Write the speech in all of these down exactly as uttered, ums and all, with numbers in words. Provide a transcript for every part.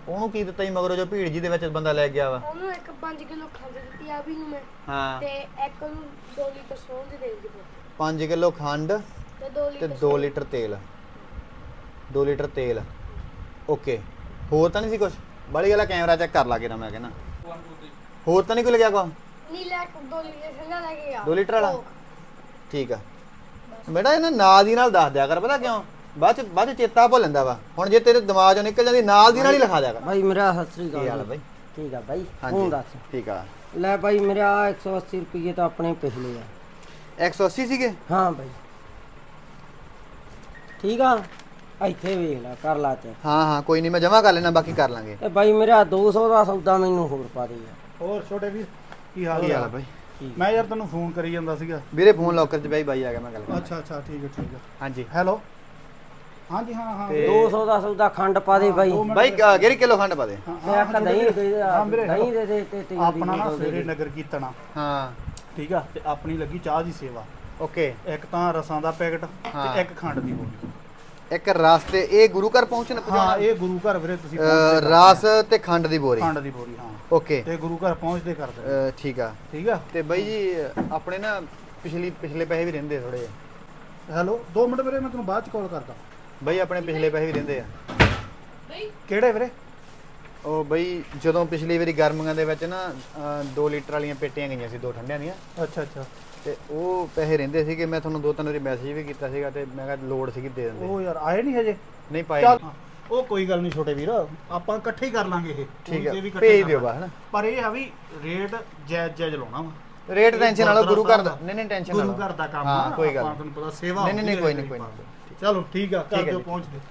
ਉਹਨੂੰ ਕੀ ਦਿੱਤਾ ਜੀ ਮਗਰੋਂ ਜੋ ਭੀੜ ਜੀ ਦੇ ਵਿੱਚ ਬੰਦਾ ਲੈ ਗਿਆ ਵਾ? ਉਹਨੂੰ ਇੱਕ ਪੰਜ ਕਿਲੋ ਖੰਡ ਦਿੱਤੀ ਆ ਵੀ ਨੂੰ ਮੈਂ ਹਾਂ ਤੇ ਇੱਕ ਨੂੰ ਦੋ ਲੀਟਰ ਸੌਂਜ ਦੇ ਦਿੱਤੀ ਪੰਜ ਕਿਲੋ ਖੰਡ ਤੇ ਦੋ ਤੇ ਲੀਟਰ ਦੋ ਲੀਟਰ ਤੇਲ ਦੋ ਲੀਟਰ ਤੇਲ ਓਕੇ ਹੋਰ ਤਾਂ ਨਹੀਂ ਸੀ ਕੁਝ ਬੜੀ ਵਾਲਾ ਕੈਮਰਾ ਚੈੱਕ ਕਰ ਲਾ ਕੇ ਨਾ ਮੈਂ ਕਹਿੰਦਾ ਹੋਰ ਤਾਂ ਨਹੀਂ ਕੋਈ ਲੱਗਿਆ ਕੋ ਨੀਲਾ ਦੋ ਲੀਟਰ ਠੰਡਾ ਲੈ ਕੇ ਗਿਆ ਦੋ ਲੀਟਰ ਵਾਲਾ ਠੀਕ ਆ ਬੇਟਾ ਇਹਨਾਂ ਨਾਲ ਦੀ ਨਾਲ ਦੱਸ ਦਿਆ ਕਰ ਪਤਾ ਕਿਉਂ ਬਾਅਦ ਚ ਬਾਅਦ ਚ ਚੇਤਾ ਭੁੱਲ ਜਾਂਦਾ ਵਾ ਹੁਣ ਜੇ ਤੇਰੇ ਦਿਮਾਗ ਚੋਂ ਨਿਕਲ ਜਾਂਦੀ ਨਾਲ ਦੀ ਨਾਲ ਹੀ ਲਿਖਾ ਦਿਆ ਕਰ ਭਾਈ ਮੇਰਾ ਸਤਿ ਸ੍ਰੀ ਕੀ ਹਾਲ ਆ ਅਕਾਲ ਬਾਈ ਠੀਕ ਆ ਭਾਈ ਹਾਂਜੀ ਹੁਣ ਦੱਸ ਠੀਕ ਆ ਲੈ ਭਾਈ ਮੇਰਾ ਇੱਕ ਸੌ ਅੱਸੀ ਰੁਪਏ ਤਾਂ ਆਪਣੇ ਪਿਛਲੇ ਆ ਇੱਕ ਸੌ ਅੱਸੀ ਸੀਗੇ ਹਾਂ ਭਾਈ ਠੀਕ ਆ ਇੱਥੇ ਵੇਖ ਲੈ ਕਰ ਲਾ ਤੇ ਹਾਂ ਹਾਂ ਕੋਈ ਨਹੀਂ ਮੈਂ ਜਮਾ ਕਰ ਲੈਣਾ ਬਾਕੀ ਕਰ ਲਾਂਗੇ ਤੇ ਭਾਈ ਮੇਰਾ ਦੋ ਸੌ ਦਾ ਸੌਦਾ ਮੈਨੂੰ ਹੋਰ ਪਾ ਦੇ ਯਾਰ ਹੋਰ ਛੋਟੇ ਵੀਰ ਕੀ ਹਾਲ ਕੀ ਹਾਲ ਆ ਹੈ? ਬਾਈ ਮੈਂ ਯਾਰ ਤੈਨੂੰ ਫੋਨ ਕਰੀ ਜਾਂਦਾ ਸੀਗਾ। ਵੀਰੇ ਫੋਨ ਲੋਕਰ ਚ ਬਾਈ ਬਾਈ ਆ ਗਿਆ ਮੈਂ ਗੱਲ ਕਰਦਾ ਅੱਛਾ ਅੱਛਾ ਠੀਕ ਹੈ ਠੀਕ ਹੈ। ਹਾਂਜੀ ਹੈਲੋ ਹਾਂਜੀ ਹਾਂ ਹਾਂ ਤੇ- ਦੋ ਸੌ ਦਾ ਸੌਦਾ ਖੰਡ ਪਾ ਦੇ ਭਾਈ ਦੋ ਮਿੰਟ ਬਾਈ ਅ, ਗੇਰੀ ਕਿਲੋ ਖੰਡ ਪਾ ਦੇ ਹਾਂ, ਤੇ ਹਾਂ, ਇੱਕ ਹਾਂ, ਦਹੀਂ ਵੀਰੇ। ਦੇ ਹਾਂ ਵੀਰੇ, ਦਹੀਂ ਦੇ ਦੇ ਤੇ ਤੇਲ ਦੀ ਆਪਣਾ ਨਾ ਬੋਤਲ ਦੇ ਸਵੇਰੇ ਦੇ। ਨਗਰ ਕੀਰਤਨ ਹਾਂ ਠੀਕ ਆ ਤੇ ਆਪਣੀ ਲੱਗੀ ਚਾਹ ਦੀ ਸੇਵਾ ਓਕੇ ਇੱਕ ਤਾਂ ਰਸਾਂ ਦਾ ਪੈਕਟ ਹਾਂ। ਤੇ ਇੱਕ ਖੰਡ ਦੀ ਬੋਤਲ। ਇੱਕ ਰਸ ਤੇ ਇਹ ਗੁਰੂ ਘਰ ਪਹੁੰਚਣ ਹਾਂ ਪਹੁੰਚਾਉਣਾ ਇਹ ਗੁਰੂ ਘਰ ਵੀਰੇ ਤੁਸੀਂ ਅ, ਪਹੁੰਚਦੇ ਕਰ ਰਸ ਤੇ ਖੰਡ ਦੀ ਬੋਰੀ ਖੰਡ ਦੀ ਬੋਰੀ ਹਾਂ ਓਕੇ ਤੇ ਗੁਰੂ ਘਰ ਪਹੁੰਚਦੇ ਕਰ ਦੇ ਅ, ਠੀਕ ਆ ਠੀਕ ਆ ਤੇ ਬਾਈ ਜੀ ਆਪਣੇ ਨਾ ਪਿਛਲੀ ਪਿਛਲੇ ਪੈਸੇ ਵੀ ਰਹਿੰਦੇ ਥੋੜੇ ਹੈਲੋ ਦੋ ਮਿੰਟ ਵੀਰੇ ਮੈਂ ਤੈਨੂੰ ਬਾਅਦ ਚ ਕਾਲ ਕਰਦਾ। ਬਾਈ ਆਪਣੇ ਪਿਛਲੇ ਪੈਸੇ ਵੀ ਰਹਿੰਦੇ ਆ ਕਿਹੜੇ ਵੀਰੇ? ਉਹ ਬਈ ਜਦੋਂ ਪਿਛਲੀ ਵਾਰੀ ਗਰਮੀਆਂ ਦੇ ਵਿੱਚ ਨਾ ਅ, ਦੋ ਲੀਟਰ ਵਾਲੀਆਂ ਪੇਟੀਆਂ ਗਈਆਂ ਸੀ ਦੋ ਠੰਡਿਆਂ ਦੀਆਂ ਅੱਛਾ ਅੱਛਾ ਤੇ ਉਹ ਪੈਸੇ ਰਹਿੰਦੇ ਸੀਗੇ ਮੈਂ ਤੁਹਾਨੂੰ ਦੋ ਤਿੰਨ ਵਾਰੀ ਮੈਸੇਜ ਵੀ ਕੀਤਾ ਸੀਗਾ ਤੇ ਮੈਂ ਕਿਹਾ ਲੋੜ ਸੀਗੀ ਦੇ ਦਿੰਦੇ ਉਹ ਯਾਰ ਆਏ ਨਹੀਂ ਹਜੇ ਨਹੀਂ ਪਾਏ ਚੱਲ ਨਹੀਂ। ਉਹ ਕੋਈ ਗੱਲ ਨਹੀਂ ਛੋਟੇ ਵੀਰ ਆਪਾਂ ਇਕੱਠੇ ਹੀ ਕਰ ਲਾਂਗੇ ਇਹ ਠੀਕ ਆ ਇਹ ਵੀ ਇਕੱਠੇ ਭੇਜ ਕਰ ਦਿਓ ਲਾਂਗੇ। ਬਾ ਹਨਾ ਪਰ ਇਹ ਆ ਵੀ ਰੇਟ ਜਾਇਜ਼ ਜਾਇਜ਼ ਲਾਉਣਾ ਵਾ ਰੇਟ ਟੈਨਸ਼ਨ ਨਾਲੋ ਗੁਰੂ ਘਰ ਦਾ ਗੁਰਦੁਆਰਾ ਨਹੀਂ ਨਹੀਂ ਟੈਨਸ਼ਨ ਗੁਰੂ ਨਾਲੋ ਘਰ ਦਾ ਕੰਮ ਹਾਂ ਆ, ਕੋਈ ਗੱਲ ਆਪਾਂ ਤੁਹਾਨੂੰ ਪਤਾ ਸੇਵਾ ਨਹੀਂ, ਨਹੀਂ, ਨਹੀਂ, ਹੁੰਦੀ ਕੋਈ ਹੈ ਨਹੀਂ, ਕੋਈ ਗਰੀਬਾਂ ਦੀ। ਚਲੋ ਠੀਕ ਆ ਠੀਕ ਕਰ ਹੈ ਦਿਓ ਜੀ। ਪਹੁੰਚ ਗਏ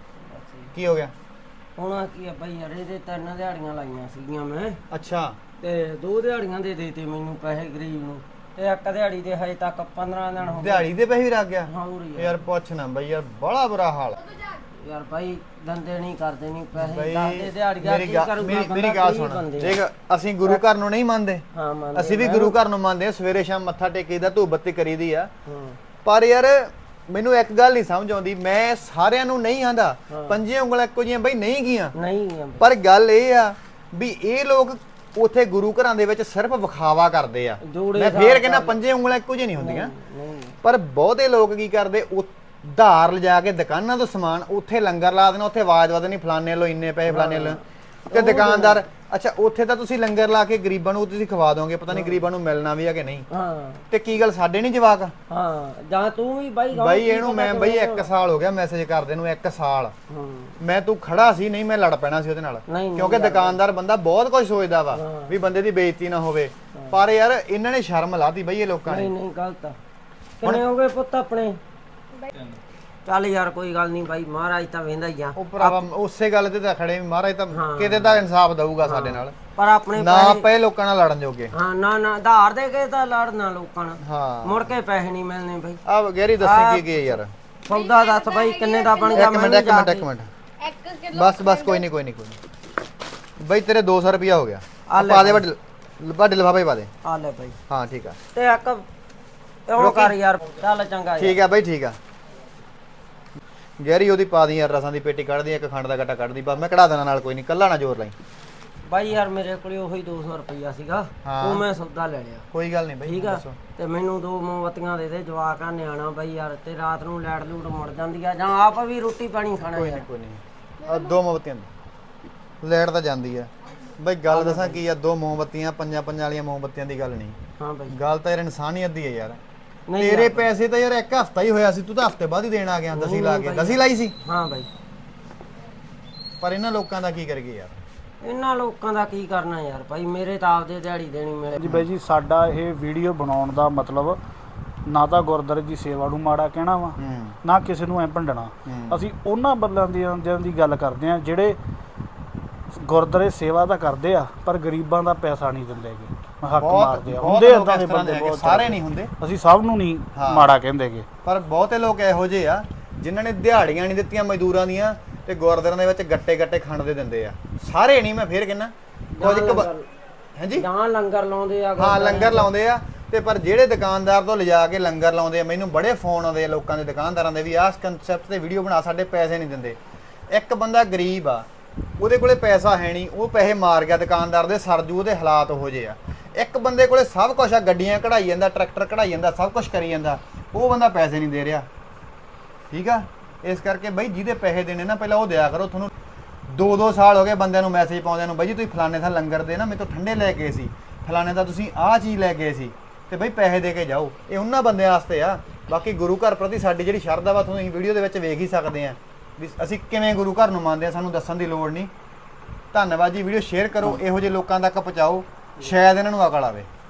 ਕੀ ਹੋ ਗਿਆ ਹੁਣ ਕੀ ਆ ਭਾਈ ਯਾਰ ਇਹਦੇ ਤਿੰਨ ਦਿਹਾੜੀਆਂ ਲਾਈਆਂ ਸੀਗੀਆਂ ਮੈਂ ਅੱਛਾ ਤੇ ਦੋ ਦਿਹਾੜੀਆਂ ਦੇ ਦੇਤੇ ਮੈਨੂੰ ਪੈਸੇ ਗਰੀਬ ਨੂੰ ਤੇ ਇੱਕ ਦਿਹਾੜੀ ਦੇ ਹਜੇ ਤੱਕ ਪੰਦਰਾਂ ਦਿਨ ਹੋ ਗਏ ਦਿਹਾੜੀ ਦੇ ਪੈਸੇ ਵੀ ਰੱਖ ਗਿਆ ਹਾਂ ਹੋਰ ਯਾਰ ਯਾਰ ਪੁੱਛ ਨਾ ਬਈ ਯਾਰ ਬੜਾ ਬੁਰਾ ਹਾਲ ਯਾਰ ਭਾਈ ਦੰਦੇ ਨਹੀਂ ਕਰਦੇ ਨਹੀਂ ਪੈਸੇ ਬਈ ਦੱਸਦੇ ਦਿਹਾੜੀਆਂ ਮੇਰੀ ਕੀ ਗੱਲ ਕਰੂਗਾ ਮੇਰੀ ਬੰਦਾ, ਮੇਰੀ ਗੱਲ ਗਰੀਬ ਸੁਣ ਬੰਦੇ ਆ। ਦੇਖ ਅਸੀਂ ਗੁਰੂ ਘਰ ਨੂੰ ਨਹੀਂ ਮੰਨਦੇ ਹਾਂ ਮੰਨਦੇ ਅਸੀਂ ਵੀ ਮੈਂ ਗੁਰੂ ਘਰ ਨੂੰ ਮੰਨਦੇ ਆ ਸਵੇਰੇ ਸ਼ਾਮ ਮੱਥਾ ਟੇਕੀਦਾ ਧੂਪ ਬੱਤੀ ਕਰੀਦੀ ਆ ਹਾਂ ਪਰ ਯਾਰ ਮੈਨੂੰ ਇੱਕ ਗੱਲ ਨਹੀਂ ਸਮਝ ਆਉਂਦੀ ਮੈਂ ਸਾਰਿਆਂ ਨੂੰ ਨਹੀਂ ਆਂਦਾ ਹਾਂ। ਪੰਜੇ ਉਂਗਲਾਂ ਇੱਕੋ ਜਿਹੀਆਂ ਬਈ ਨਹੀਂ ਗੀਆਂ ਨਹੀਂ ਆ ਬਈ। ਪਰ ਗੱਲ ਇਹ ਆ ਵੀ ਇਹ ਲੋਕ ਉਥੇ ਗੁਰੂ ਘਰਾਂ ਦੇ ਵਿੱਚ ਸਿਰਫ ਵਿਖਾਵਾ ਕਰਦੇ ਆ ਜੋੜੇ ਮੈਂ ਫੇਰ ਹਿਸਾਬ ਕਹਿੰਦਾ ਨਾਲ। ਪੰਜੇ ਉਂਗਲਾਂ ਇੱਕੋ ਜਿਹੀਆਂ ਨਹੀਂ ਹੁੰਦੀਆਂ ਨਹੀਂ ਪਰ ਬਹੁਤੇ ਲੋਕ ਕੀ ਕਰਦੇ ਉਹ ਧਾਰ ਲਿਜਾ ਕੇ ਦੁਕਾਨਾਂ ਤੋਂ ਸਮਾਨ ਉੱਥੇ ਲੰਗਰ ਲਾ ਦੇਣਾ ਉੱਥੇ ਆਵਾਜ਼ ਵਧਣੀ ਫਲਾਣੇ ਲੋ ਇੰਨੇ ਪੈਸੇ ਫਲਾਣੇ ਲੋ ਤੇ ਦੁਕਾਨਦਾਰ ਅੱਛਾ ਉੱਥੇ ਤਾਂ ਤੁਸੀਂ ਲੰਗਰ ਲਾ ਕੇ ਗਰੀਬਾਂ ਨੂੰ ਤੁਸੀਂ ਖਵਾ ਦੋਗੇ ਪਤਾ ਨਹੀਂ ਗਰੀਬਾਂ ਨੂੰ ਮਿਲਣਾ ਵੀ ਆ ਕਿ ਨਹੀਂ ਹਾਂ ਤੇ ਕੀ ਗੱਲ ਸਾਡੇ ਨਹੀਂ ਜਵਾਕ ਹਾਂ ਜਾਂ ਤੂੰ ਵੀ ਬਾਈ ਗਾਉਂ ਬਾਈ ਕੀ ਇਹਨੂੰ ਪਤਾ ਮੈਂ ਬਾਈ ਕਿਵੇਂ ਇੱਕ ਸਾਲ ਹੋ ਗਿਆ ਮੈਸੇਜ ਕਰਦੇ ਨੂੰ ਇੱਕ ਸਾਲ ਹਾਂ ਮੈਂ ਤੂੰ ਖੜਾ ਸੀ ਨਹੀਂ ਮੈਂ ਲੜ ਪੈਣਾ ਸੀ ਉਹਦੇ ਨਾਲ ਨਹੀਂ, ਨਹੀਂ ਕਿਉਂਕਿ ਲੜਦਾ। ਦੁਕਾਨਦਾਰ ਬੰਦਾ ਬਹੁਤ ਕੁਝ ਸੋਚਦਾ ਵਾ ਹਾਂ। ਵੀ ਬੰਦੇ ਦੀ ਬੇਇੱਜ਼ਤੀ ਨਾ ਹੋਵੇ ਪਰ ਯਾਰ ਇਹਨਾਂ ਨੇ ਸ਼ਰਮ ਲਾਤੀ ਬਈ ਇਹ ਲੋਕਾਂ ਨਹੀਂ ਨੇ ਨਹੀਂ ਗਲਤ ਆ ਕਿੰਨੇ ਹੋ ਗਏ ਪੁੱਤ ਆਪਣੇ ਚੱਲ ਯਾਰ ਕੋਈ ਗੱਲ ਨਹੀਂ ਬਾਈ ਮਹਾਰਾਜ ਤਾਂ ਵੇਂਦਾ ਹੀ ਆ ਉਹ ਭਰਾਵਾ ਉਸੇ ਗੱਲ ਤੇ ਤਾਂ ਖੜੇ ਵੀ ਮਹਾਰਾਜ ਤਾਂ ਹਾਂ। ਕਿਤੇ ਤਾਂ ਇਨਸਾਫ ਦਊਗਾ ਸਾਡੇ ਨਾਲ ਪਰ ਆਪਣੇ ਨਾ ਪੈਸੇ- ਪਏ ਲੋਕਾਂ ਨਾਲ ਲੜਨ ਜੋਗੇ ਹਾਂ ਨਾ ਨਾ ਧਾਰ ਦੇ ਕੇ ਤਾਂ ਲੜਨਾ ਲੋਕਾਂ ਨਾਲ ਹਾਂ ਮੁੜ ਕੇ ਪੈਸੇ ਨਹੀਂ ਮਿਲਣੇ ਬਾਈ ਆ ਗੈਰੀ ਦੱਸੀ ਕੀ ਕੀ ਹੈ ਯਾਰ ਸੌਦਾ ਦੱਸ ਬਾਈ ਕਿੰਨੇ ਦਾ ਬਣ ਗਿਆ ਇੱਕ ਮਿੰਟ ਵੀ ਇੱਕ ਜਾ ਮਿੰਟ ਕੇ- ਇੱਕ ਮਿੰਟ ਇੱਕ ਕਿਲੋ ਬਸ ਬਸ ਕੋਈ ਨਹੀਂ ਕੋਈ ਨਹੀਂ ਕੋਈ ਨਹੀਂ ਬਈ ਤੇਰੇ ਦੋ ਸੌ ਰੁਪਿਆ ਹੋ ਗਿਆ ਆ ਲੈ ਪਾ ਦੇ ਵੱਡੇ ਵੱਡੇ ਲਿਫਾਫੇ ਪਾ ਦੇ ਆ ਲੈ ਬਾਈ ਹਾਂ ਠੀਕ ਆ ਤੇ ਇੱਕ ਉਹ ਕਰ ਯਾਰ ਚੱਲ ਚੰਗਾ ਯਾਰ। ਠੀਕ ਆ ਬਈ ਠੀਕ ਆ ਗੈਰੀ ਉਹਦੀ ਪਾ ਦੀ ਯਾਰ ਰਸਾਂ ਦੀ ਪੇਟੀ ਕੱਢ ਦੀ ਇੱਕ ਖੰਡ ਦਾ ਗੱਟਾ ਕੱਢ ਦੀ ਬਸ ਮੈਂ ਕਢਾ ਦੇਣਾ ਨਾਲ ਕੋਈ ਨਹੀਂ ਕੱਲਾ ਨਾ ਜ਼ੋਰ ਲਾਈ ਬਾਈ ਯਾਰ ਮੇਰੇ ਕੋਲੇ ਉਹੀ ਦੋ ਸੌ ਰੁਪਈਆ ਸੀਗਾ ਹਾਂ। ਉਹ ਮੈਂ ਸੌਦਾ ਲੈ ਲਿਆ ਕੋਈ ਗੱਲ ਨਹੀਂ ਬਈ ਠੀਕ ਆ ਦੱਸੋ ਤੇ ਮੈਨੂੰ ਦੋ ਮੋਮਬੱਤੀਆਂ ਦੇ ਦੇ ਜਵਾਕ ਆ ਨਿਆਣਾ ਬਾਈ ਯਾਰ ਤੇ ਰਾਤ ਨੂੰ ਲੈਟ ਲੂਟ ਮੁੜ ਜਾਂਦੀ ਆ ਜਾਂ ਆਪ ਵੀ ਰੋਟੀ ਪਾਣੀ ਖਾਣਾ ਕੋਈ ਯਾਰ ਨਹੀਂ ਕੋਈ ਨਹੀਂ ਆ ਦੋ ਮੋਮਬੱਤੀਆਂ ਲੈਟ ਤਾਂ ਜਾਂਦੀ ਆ ਬਈ ਗੱਲ ਦੱਸਾਂ ਕੀ ਆ ਦੋ ਮੋਮਬੱਤੀਆਂ ਪੰਜਾਂ ਪੰਜਾਂ ਵਾਲੀਆਂ ਮੋਮਬੱਤੀਆਂ ਦੀ ਗੱਲ ਨਹੀਂ ਹਾਂ ਬਾਈ ਗੱਲ ਤਾਂ ਯਾਰ ਇਨਸਾਨੀਅਤ ਦੀ ਹੈ ਯਾਰ ਨਹੀਂ ਤੇਰੇ ਯਾਰ। ਪੈਸੇ ਤਾਂ ਯਾਰ ਇੱਕ ਹਫਤਾ ਹੀ ਹੋਇਆ ਸੀ ਤੂੰ ਤਾਂ ਹਫਤੇ ਬਾਅਦ ਹੀ ਦੇਣ ਆ ਗਿਆ ਦਸੀ ਲਾ ਕੇ ਦਸੀ ਲਾਈ ਸੀ ਹਾਂ ਬਾਈ ਪਰ ਇਹਨਾਂ ਲੋਕਾਂ ਦਾ ਕੀ ਕਰੀਏ ਯਾਰ ਇਹਨਾਂ ਲੋਕਾਂ ਦਾ ਕੀ ਕਰਨਾ ਯਾਰ ਭਾਈ ਮੇਰੇ ਤਾਂ ਆਪਦੇ ਦਿਹਾੜੀ ਦੇਣੀ ਮਿਲੇ ਜੀ ਬਾਈ ਜੀ ਸਾਡਾ ਇਹ ਵੀਡੀਓ ਬਣਾਉਣ ਦਾ ਮਤਲਬ ਨਾ ਤਾਂ ਗੁਰਦੁਆਰੇ ਦੀ ਸੇਵਾ ਨੂੰ ਮਾੜਾ ਕਹਿਣਾ ਵਾ ਹੂੰ ਨਾ ਕਿਸੇ ਨੂੰ ਐ ਭੰਡਣਾ ਹੂੰ। ਅਸੀਂ ਉਹਨਾਂ ਬੰਦਿਆਂ ਦੀ ਦੀ ਗੱਲ ਕਰਦੇ ਆ ਜਿਹੜੇ ਗੁਰਦੁਆਰੇ ਸੇਵਾ ਤਾਂ ਕਰਦੇ ਆ ਪਰ ਗਰੀਬਾਂ ਦਾ ਪੈਸਾ ਨਹੀਂ ਦਿੰਦੇਗੇ ਹੱਕ ਬਹੁਤ- ਮਾਰਦੇ ਆ ਬਹੁਤ ਹੁੰਦੇ ਲੋਕ ਏਦਾਂ ਦੇ ਇਸ ਤਰ੍ਹਾਂ ਬੰਦੇ ਦੇ ਹੈਗੇ, ਬਹੁਤ ਸਾਰੇ ਨਹੀਂ ਹੁੰਦੇ ਅਸੀਂ ਸਭ ਨੂੰ ਨਹੀਂ ਹਾਂ। ਮਾੜਾ ਕਹਿੰਦੇਗੇ ਪਰ ਬਹੁਤੇ ਲੋਕ ਇਹੋ ਜਿਹੇ ਆ ਜਿਨ੍ਹਾਂ ਨੇ ਦਿਹਾੜੀਆਂ ਨਹੀਂ ਦਿੱਤੀਆਂ ਮਜ਼ਦੂਰਾਂ ਦੀਆਂ ਤੇ ਗੁਰਦੁਆਰਿਆਂ ਦੇ ਵਿੱਚ ਗੱਟੇ ਗੱਟੇ ਖੰਡ ਦੇ ਦਿੰਦੇ ਆ ਸਾਰੇ ਨਹੀਂ ਮੈਂ ਫੇਰ ਕਹਿੰਦਾ ਕੁਝ ਕੁ ਬ- ਹਾਂਜੀ ਜਾਂ ਲੰਗਰ ਲਾਉਂਦੇ ਆ ਹਾਂ ਗੁਰਦੁਆਰਿਆਂ ਲੰਗਰ ਲਾਉਂਦੇ ਆ ਤੇ ਪਰ ਜਿਹੜੇ ਦੁਕਾਨਦਾਰ ਤੋਂ ਲਿਜਾ ਕੇ ਲੰਗਰ ਲਾਉਂਦੇ ਆ ਮੈਨੂੰ ਬੜੇ ਫੋਨ ਆਉਂਦੇ ਆ ਲੋਕਾਂ ਦੇ ਦੁਕਾਨਦਾਰਾਂ ਦੇ ਵੀ ਆਹ ਕਨਸੈਪਟ ਤੇ ਵੀਡੀਓ ਬਣਾ ਸਾਡੇ ਪੈਸੇ ਨਹੀਂ ਦਿੰਦੇ ਇੱਕ ਬੰਦਾ ਗਰੀਬ ਆ ਉਹਦੇ ਕੋਲੇ ਪੈਸਾ ਹੈ ਨਹੀਂ, ਉਹ ਪੈਸੇ ਮਾਰ ਗਿਆ ਦੁਕਾਨਦਾਰ ਦੇ, ਸਰਜੂ ਉਹਦੇ ਹਾਲਾਤ ਉਹੋ ਜਿਹੇ ਆ। ਇੱਕ ਬੰਦੇ ਕੋਲੇ ਸਭ ਕੁਝ ਆ, ਗੱਡੀਆਂ ਕਢਾਈ ਜਾਂਦਾ, ਟਰੈਕਟਰ ਕਢਾਈ ਜਾਂਦਾ, ਸਭ ਕੁਝ ਕਰੀ ਜਾਂਦਾ, ਉਹ ਬੰਦਾ ਪੈਸੇ ਨਹੀਂ ਦੇ ਰਿਹਾ। ਠੀਕ ਆ, ਇਸ ਕਰਕੇ ਬਈ ਜਿਹਦੇ ਪੈਸੇ ਦੇਣੇ ਨਾ ਪਹਿਲਾਂ ਉਹ ਦਿਆ ਕਰੋ। ਤੁਹਾਨੂੰ ਦੋ ਦੋ ਸਾਲ ਹੋ ਗਏ ਬੰਦਿਆਂ ਨੂੰ ਮੈਸੇਜ ਪਾਉਂਦਿਆਂ ਨੂੰ, ਬਈ ਜੀ ਤੁਸੀਂ ਫਲਾਣੇ ਥਾਂ ਲੰਗਰ ਦੇ ਨਾ ਮੇਰੇ ਤੋਂ ਠੰਡੇ ਲੈ ਕੇ ਸੀ, ਫਲਾਣੇ ਦਾ ਤੁਸੀਂ ਆਹ ਚੀਜ਼ ਲੈ ਕੇ ਸੀ, ਤੇ ਬਈ ਪੈਸੇ ਦੇ ਕੇ ਜਾਓ। ਇਹ ਉਹਨਾਂ ਬੰਦਿਆਂ ਵਾਸਤੇ ਆ। ਬਾਕੀ ਗੁਰੂ ਘਰ ਪ੍ਰਤੀ ਸਾਡੀ ਜਿਹੜੀ ਸ਼ਰਧਾ ਵਾ ਤੁਹਾਨੂੰ ਅਸੀਂ ਵੀਡੀਓ ਦੇ ਵਿੱਚ ਵੇਖ ਹੀ ਸਕਦੇ ਆ ਵੀ ਅਸੀਂ ਕਿਵੇਂ ਗੁਰੂ ਘਰ ਨੂੰ ਮੰਨਦੇ ਆ, ਸਾਨੂੰ ਦੱਸਣ ਦੀ ਲੋੜ ਨਹੀਂ। ਧੰਨਵਾਦ ਜੀ। ਵੀਡੀਓ ਸ਼ੇਅਰ ਕਰੋ, ਇਹੋ ਜਿਹੇ ਲੋਕਾਂ ਤੱਕ ਪਹੁੰਚਾਓ, ਸ਼ਾਇਦ ਇਹਨਾਂ ਨੂੰ ਅਕਲ ਆਵੇ।